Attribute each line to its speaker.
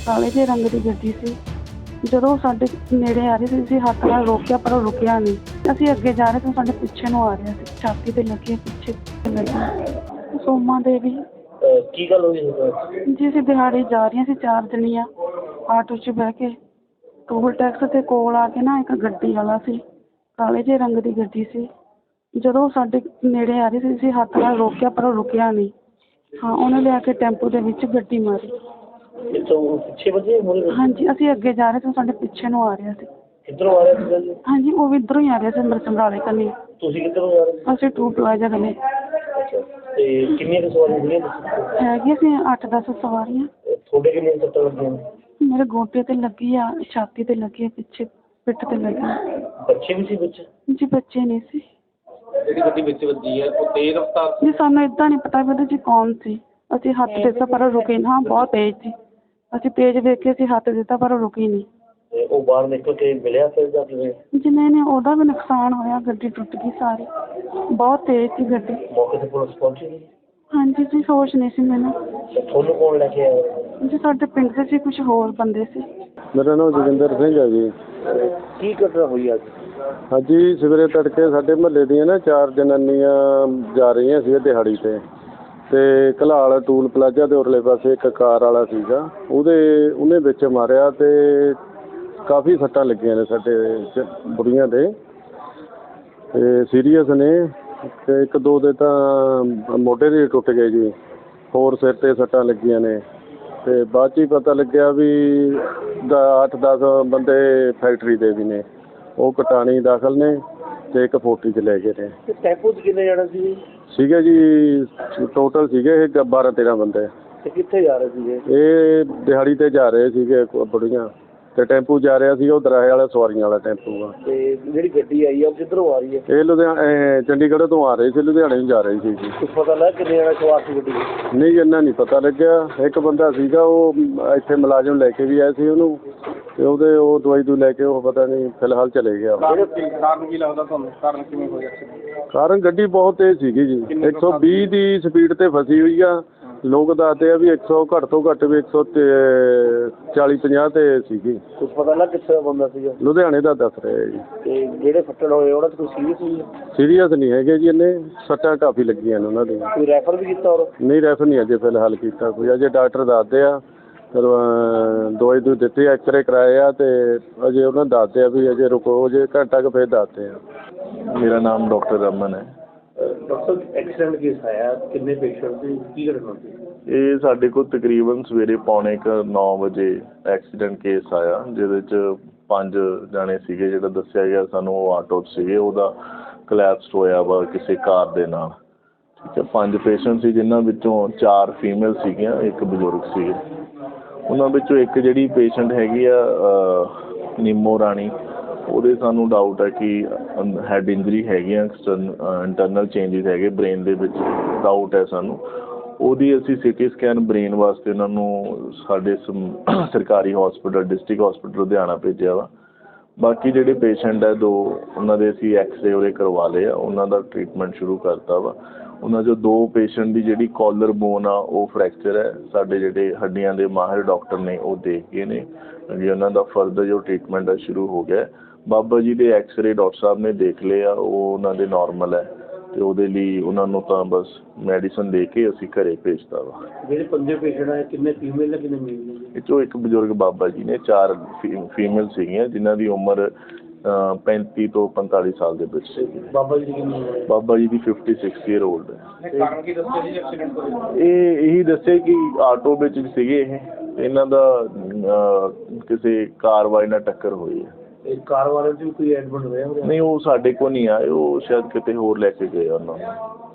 Speaker 1: ਕਾਲੇ ਜਿਹੇ ਰੰਗ ਦੀ ਗੱਡੀ ਸੀ। ਜਦੋਂ ਉਹ ਸਾਡੇ ਨੇੜੇ ਆ ਰਹੀ ਸੀ ਅਸੀਂ ਹੱਥ ਨਾਲ ਰੋਕਿਆ ਪਰ ਉਹ ਰੁਕਿਆ ਨਹੀਂ। ਅਸੀਂ ਅੱਗੇ ਜਾ ਰਹੇ ਤਾਂ ਸਾਡੇ ਪਿੱਛੇ ਨੂੰ ਆ ਰਿਹਾ ਸੀ, ਛਾਤੀ 'ਤੇ ਲੱਗੀ, ਪਿੱਛੇ ਲੱਗੀ। ਸੋਮਾ ਦੇਵੀ।
Speaker 2: ਕੀ ਗੱਲ ਹੋਈ
Speaker 1: ਜੀ ਅਸੀਂ ਦਿਹਾੜੀ ਜਾ ਰਹੀਆਂ ਸੀ 4 ਜਣੀਆਂ ਆਟੋ 'ਚ ਬਹਿ ਕੇ। ਟੋਲ ਟੈਕਸ ਦੇ ਕੋਲ ਆ ਕੇ ਨਾ ਇੱਕ ਗੱਡੀ ਵਾਲਾ ਸੀ, ਕਾਲੇ ਜਿਹੇ ਰੰਗ ਦੀ ਗੱਡੀ ਸੀ। ਜਦੋਂ ਉਹ ਸਾਡੇ ਨੇੜੇ ਆ ਰਹੀ ਸੀ ਅਸੀਂ ਹੱਥ ਨਾਲ ਰੋਕਿਆ ਪਰ ਉਹ ਰੁਕਿਆ ਨਹੀਂ। ਹਾਂ, ਉਹਨੇ ਲਿਆ ਕੇ ਟੈਂਪੂ ਦੇ ਵਿੱਚ ਗੱਡੀ ਮਾਰੀ।
Speaker 2: ਪਿੱਛੇ ਵੱਜੇ?
Speaker 1: ਹਾਂਜੀ, ਅਸੀਂ ਅੱਗੇ ਜਾ ਰਹੇ ਤਾਂ ਸਾਡੇ ਪਿੱਛੇ ਨੂੰ ਆ ਰਿਹਾ ਸੀ।
Speaker 2: ਕਿੱਧਰੋਂ ਆ ਰਿਹਾ ਸੀਗਾ ਜੀ?
Speaker 1: ਹਾਂਜੀ, ਉਹ ਵੀ ਇੱਧਰੋਂ ਹੀ ਆ ਰਿਹਾ ਸੀ, ਸਮਰਾਲੇ ਕੰਨੀ।
Speaker 2: ਤੁਸੀਂ ਕਿੱਧਰੋਂ ਜਾ ਰਹੇ ਸੀ?
Speaker 1: ਅਸੀਂ ਟੂ ਪਲਾਜ਼ਾ ਕੰਨੀ।
Speaker 2: ਅੱਛਾ, ਤੇ ਕਿੰਨੀਆਂ ਕੁ ਸਵਾਰੀਆਂ ਸੀਗੀਆਂ?
Speaker 1: ਹੈਗੀਆਂ ਸੀ 8-10 ਸਵਾਰੀਆਂ।
Speaker 2: ਤੁਹਾਡੇ ਕਿੰਨੀਆਂ ਸੱਟਾਂ ਲੱਗੀਆਂ?
Speaker 1: ਮੇਰੇ ਗੋਡੇ 'ਤੇ ਲੱਗੀ ਆ, ਛਾਤੀ 'ਤੇ ਲੱਗੀ ਆ, ਪਿੱਛੇ ਪਿੱਠ 'ਤੇ ਲੱਗੀ।
Speaker 2: ਬੱਚੇ ਵੀ ਸੀ ਵਿੱਚ?
Speaker 1: ਜੀ ਬੱਚੇ ਨਹੀਂ ਸੀ।
Speaker 2: ਜਿਹੜੀ ਗੱਡੀ ਵਿੱਚ ਵੱਜੀ ਹੈ ਉਹ ਤੇਜ਼ ਰਫ਼ਤਾਰ ਸੀ?
Speaker 1: ਜੀ ਸਾਨੂੰ ਇੱਦਾਂ ਨਹੀਂ ਪਤਾ ਵੀ ਉਹਦੇ 'ਚ ਕੌਣ ਸੀ। ਅਸੀਂ ਹੱਥ ਦਿੱਤਾ ਪਰ ਉਹ ਰੁਕੇ ਨਾ, ਬਹੁਤ ਤੇਜ਼ ਸੀ। ਅਸੀਂ ਤੇਜ਼ ਵੇਖ ਕੇ ਅਸੀਂ ਹੱਥ ਦਿੱਤਾ ਪਰ ਉਹ ਰੁਕੀ ਨਹੀਂ।
Speaker 2: ਤੇ ਉਹ ਬਾਹਰ ਨਿਕਲ ਕੇ ਮਿਲਿਆ ਫਿਰ ਜਾਂ ਕਿਵੇਂ?
Speaker 1: ਜਿਵੇਂ ਨੇ ਉਹਦਾ ਵੀ ਨੁਕਸਾਨ ਹੋਇਆ, ਗੱਡੀ ਟੁੱਟ ਗਈ ਸਾਰੀ। ਬਹੁਤ ਤੇਜ਼ ਸੀ ਗੱਡੀ।
Speaker 2: ਮੌਕੇ 'ਤੇ ਪੁਲਿਸ ਪਹੁੰਚੀ ਸੀ?
Speaker 1: ਹਾਂਜੀ ਜੀ, ਹੋਸ਼ ਨਹੀਂ ਸੀ ਮੈਨੂੰ।
Speaker 2: ਤੁਹਾਨੂੰ ਕੌਣ ਲੈ ਕੇ ਆਇਆ?
Speaker 1: ਜੀ ਸਾਡੇ ਪਿੰਡ ਦੇ ਸੀ ਕੁਝ ਹੋਰ ਬੰਦੇ ਸੀ।
Speaker 3: ਮੇਰਾ ਨਾਮ ਜੋਗਿੰਦਰ ਸਿੰਘ ਹੈ ਜੀ।
Speaker 2: ਕੀ ਘਟਨਾ ਹੋਈ ਅੱਜ?
Speaker 3: ਹਾਂਜੀ, ਸਵੇਰੇ ਤੜਕੇ ਸਾਡੇ ਮੁਹੱਲੇ ਦੀਆਂ ਨਾ 4 ਜਨਾਨੀਆਂ ਜਾ ਰਹੀਆਂ ਸੀ ਦਿਹਾੜੀ 'ਤੇ। ਅਤੇ ਘਲਾਲ ਟੂਲ ਪਲਾਜ਼ਾ ਦੇ ਉਰਲੇ ਪਾਸੇ ਇੱਕ ਕਾਰ ਵਾਲਾ ਸੀਗਾ, ਉਹਨੇ ਵਿੱਚ ਮਾਰਿਆ ਅਤੇ ਕਾਫੀ ਸੱਟਾਂ ਲੱਗੀਆਂ ਨੇ ਸਾਡੇ ਬੁੜੀਆਂ ਦੇ, ਅਤੇ ਸੀਰੀਅਸ ਨੇ। ਅਤੇ 1-2 ਦੇ ਤਾਂ ਮੋਢੇ ਦੇ ਟੁੱਟ ਗਏ ਜੀ, ਹੋਰ ਸਿਰ 'ਤੇ ਸੱਟਾਂ ਲੱਗੀਆਂ ਨੇ। ਅਤੇ ਬਾਅਦ 'ਚ ਹੀ ਪਤਾ ਲੱਗਿਆ ਵੀ 8-10 ਬੰਦੇ ਫੈਕਟਰੀ ਦੇ ਵੀ ਨੇ, ਉਹ ਕਟਾਣੀ ਦਾਖਲ ਨੇ ਅਤੇ ਇੱਕ 40 'ਚ ਲੈ ਗਏ ਨੇ।
Speaker 2: ਟੈਂਪੂ 'ਚ ਕਿੰਨੇ ਜਾਣੇ ਸੀ?
Speaker 3: ਸੀਗੇ ਜੀ ਟੋਟਲ ਸੀਗੇ ਇਹ 12-13 ਬੰਦੇ।
Speaker 2: ਤੇ ਕਿੱਥੇ ਜਾ ਰਹੇ ਸੀਗੇ?
Speaker 3: ਇਹ ਦਿਹਾੜੀ 'ਤੇ ਜਾ ਰਹੇ ਸੀਗੇ ਬੁੜੀਆਂ, ਅਤੇ ਟੈਂਪੂ ਜਾ ਰਿਹਾ ਸੀ ਉਹ ਦਰਾਹੇ ਵਾਲਾ ਸਵਾਰੀਆਂ ਵਾਲਾ ਟੈਂਪੂ ਆ।
Speaker 2: ਤੇ ਜਿਹੜੀ ਗੱਡੀ ਆਈ ਆ ਉਹ ਕਿੱਧਰੋਂ ਆ ਰਹੀ ਹੈ?
Speaker 3: ਇਹ ਚੰਡੀਗੜ੍ਹ ਤੋਂ ਆ ਰਹੇ ਸੀ, ਲੁਧਿਆਣੇ ਨੂੰ ਜਾ ਰਹੇ ਸੀ ਜੀ।
Speaker 2: ਕੁਛ ਪਤਾ ਲੱਗਾ ਕਿੰਨੇ ਜਾਣੇ ਸਵਾਰ ਸੀ ਗੱਡੀ 'ਚ?
Speaker 3: ਨਹੀਂ, ਇੰਨਾ ਨਹੀਂ ਪਤਾ ਲੱਗਿਆ। ਇੱਕ ਬੰਦਾ ਸੀਗਾ ਉਹ ਇੱਥੇ ਮੁਲਾਜ਼ਮ ਲੈ ਕੇ ਵੀ ਆਏ ਸੀ ਉਹਨੂੰ, ਅਤੇ ਉਹ ਦਵਾਈ ਲੈ ਕੇ ਉਹ ਪਤਾ ਨਹੀਂ ਫਿਲਹਾਲ ਚਲੇ ਗਿਆ।
Speaker 2: ਕਾਰਨ ਕੀ ਲੱਗਦਾ ਤੁਹਾਨੂੰ? ਕਾਰਨ ਕਿਵੇਂ ਹੋਇਆ?
Speaker 3: ਕਾਰਨ ਗੱਡੀ ਬਹੁਤ ਤੇਜ਼ ਸੀਗੀ ਜੀ, 120 ਦੀ ਸਪੀਡ 'ਤੇ ਫਸੀ ਹੋਈ ਆ। ਲੋਕ ਦੱਸਦੇ ਆ ਵੀ 100 ਘੱਟ ਤੋਂ ਘੱਟ ਵੀ 140-50 'ਤੇ ਸੀਗੀ।
Speaker 2: ਕੁਛ ਪਤਾ ਲੱਗਾ ਕਿੱਥੇ ਦਾ ਬੰਦਾ ਸੀਗਾ?
Speaker 3: ਲੁਧਿਆਣੇ ਦਾ ਦੱਸ ਰਹੇ ਜੀ।
Speaker 2: ਤੇ ਜਿਹੜੇ ਫੱਟੜ ਹੋਏ ਉਹਨਾਂ 'ਚ ਕੋਈ ਸੀਰੀਅਸ ਹੋਈ?
Speaker 3: ਸੀਰੀਅਸ ਨਹੀਂ ਹੈਗੇ ਜੀ, ਇੰਨੇ ਸੱਟਾਂ ਕਾਫੀ ਲੱਗੀਆਂ ਨੇ ਉਹਨਾਂ ਦੀਆਂ।
Speaker 2: ਕੋਈ ਰੈਫਰ ਵੀ ਕੀਤਾ? ਔਰ
Speaker 3: ਨਹੀਂ, ਰੈਫਰ ਨਹੀਂ ਅਜੇ ਫਿਲਹਾਲ ਕੀਤਾ ਕੋਈ। ਅਜੇ ਡਾਕਟਰ ਦੱਸਦੇ ਆ, ਫਿਰ ਦਵਾਈ ਦਿੱਤੀ, ਐਕਸਰੇ ਕਰਾਏ ਆ, ਅਤੇ ਅਜੇ ਉਹਨਾਂ ਦੱਸਦੇ ਆ ਵੀ ਅਜੇ ਰੁਕੋ, ਅਜੇ ਘੰਟਾ ਕੁ ਫਿਰ ਦੱਸਦੇ ਆ।
Speaker 4: ਮੇਰਾ ਨਾਮ ਡਾਕਟਰ ਰਮਨ ਹੈ।
Speaker 2: ਡਾਕਟਰ ਐਕਸੀਡੈਂਟ ਕੇਸ ਆਇਆ, ਕਿੰਨੇ ਪੇਸ਼ੈਂਟ ਸੀ, ਕੀ ਘਟਨਾ ਸੀ?
Speaker 4: ਇਹ ਸਾਡੇ ਕੋਲ ਤਕਰੀਬਨ ਸਵੇਰੇ 8:45 ਵਜੇ ਐਕਸੀਡੈਂਟ ਕੇਸ ਆਇਆ, ਜਿਹਦੇ 'ਚ 5 ਜਾਣੇ ਸੀਗੇ। ਜਿਹੜਾ ਦੱਸਿਆ ਗਿਆ ਸਾਨੂੰ ਉਹ ਆਟੋ 'ਚ ਸੀਗੇ, ਉਹਦਾ ਕਲੈਪਸ ਹੋਇਆ ਵਾ ਕਿਸੇ ਕਾਰ ਦੇ ਨਾਲ। ਠੀਕ ਹੈ, 5 ਪੇਸ਼ੈਂਟ ਸੀ, ਜਿਨ੍ਹਾਂ ਵਿੱਚੋਂ 4 ਫੀਮੇਲ ਸੀਗੀਆਂ, 1 ਬਜ਼ੁਰਗ ਸੀਗੇ। ਉਹਨਾਂ ਵਿੱਚੋਂ ਇੱਕ ਜਿਹੜੀ ਪੇਸ਼ੈਂਟ ਹੈਗੀ ਆ ਨੀਮੋ ਰਾਣੀ, ਉਹਦੇ ਸਾਨੂੰ ਡਾਊਟ ਹੈ ਕਿ ਹੈਡ ਇੰਜਰੀ ਹੈਗੀਆਂ, ਇੰਟਰਨਲ ਚੇਂਜਿਸ ਹੈਗੇ ਬ੍ਰੇਨ ਦੇ ਵਿੱਚ, ਡਾਊਟ ਹੈ ਸਾਨੂੰ। ਉਹਦੀ ਅਸੀਂ CT ਸਕੈਨ ਬ੍ਰੇਨ ਵਾਸਤੇ ਉਹਨਾਂ ਨੂੰ ਸਾਡੇ ਸਰਕਾਰੀ ਹਸਪੀਟਲ, ਡਿਸਟ੍ਰਿਕਟ ਹਸਪੀਟਲ ਲੁਧਿਆਣਾ ਭੇਜਿਆ ਵਾ। ਬਾਕੀ ਜਿਹੜੇ ਪੇਸ਼ੈਂਟ ਹੈ 2, ਉਹਨਾਂ ਦੇ ਅਸੀਂ ਐਕਸਰੇ ਉਹਦੇ ਕਰਵਾ ਲਏ ਆ, ਉਹਨਾਂ ਦਾ ਟਰੀਟਮੈਂਟ ਸ਼ੁਰੂ ਕਰਤਾ ਵਾ। ਉਹਨਾਂ 'ਚੋਂ 2 ਪੇਸ਼ੈਂਟ ਦੀ ਜਿਹੜੀ ਕਾਲਰ ਬੋਨ ਆ ਉਹ ਫ੍ਰੈਕਚਰ ਹੈ। ਸਾਡੇ ਜਿਹੜੇ ਹੱਡੀਆਂ ਦੇ ਮਾਹਿਰ ਡਾਕਟਰ ਨੇ ਉਹ ਦੇਖ ਗਏ ਨੇ ਜੀ, ਉਹਨਾਂ ਦਾ ਫਰਦਰ ਜੋ ਟਰੀਟਮੈਂਟ ਹੈ ਸ਼ੁਰੂ ਹੋ ਗਿਆ। ਬਾਬਾ ਜੀ ਦੇ ਐਕਸਰੇ ਡਾਕਟਰ ਸਾਹਿਬ ਨੇ ਦੇਖ ਲਏ ਆ, ਉਹ ਉਹਨਾਂ ਦੇ ਨਾਰਮਲ ਹੈ, ਅਤੇ ਉਹਦੇ ਲਈ ਉਹਨਾਂ ਨੂੰ ਤਾਂ ਬਸ ਮੈਡੀਸਨ ਦੇ ਕੇ ਅਸੀਂ ਘਰੇ ਭੇਜਤਾ ਵਾ।
Speaker 2: ਜਿਹੜੇ 5 ਪੇਸ਼ੈਂਟ ਆਏ ਕਿੰਨੇ ਫੀਮੇਲ ਨੇ, ਕਿੰਨੇ ਮੇਲ ਨੇ? ਇਹ
Speaker 4: 'ਚੋਂ ਇੱਕ ਬਜ਼ੁਰਗ ਬਾਬਾ ਜੀ ਨੇ, 4 ਫੀਮੇਲ ਸੀਗੀਆਂ, ਜਿਨ੍ਹਾਂ ਦੀ ਉਮਰ 35 ਤੋਂ 45 ਸਾਲ ਦੇ ਵਿੱਚ ਸੀਗੀ।
Speaker 2: ਬਾਬਾ ਜੀ ਦੀ ਕਿੰਨੀ ਉਮਰ ਹੈ?
Speaker 4: ਬਾਬਾ ਜੀ ਦੀ 56 ਈਅਰ ਓਲਡ ਹੈ।
Speaker 2: ਕਾਰਨ ਕੀ ਦੱਸਿਆ ਜੀ ਐਕਸੀਡੈਂਟ ਦਾ?
Speaker 4: ਇਹ ਇਹੀ ਦੱਸਿਆ ਕਿ ਆਟੋ ਵਿੱਚ ਸੀਗੇ ਇਹਨਾਂ ਦਾ ਕਿਸੇ ਕਾਰਵਾਈ ਨਾਲ ਟੱਕਰ ਹੋਈ ਹੈ।
Speaker 2: ਇਹ ਕਾਰ ਵਾਲੇ 'ਚ ਵੀ ਕੋਈ ਐਡਮਿਟ ਹੋਇਆ?
Speaker 4: ਨਹੀਂ, ਉਹ ਸਾਡੇ ਕੋਲ ਨਹੀਂ ਆਏ, ਉਹ ਸ਼ਾਇਦ ਕਿਤੇ ਹੋਰ ਲੈ ਕੇ ਗਏ ਉਹਨਾਂ ਨੂੰ।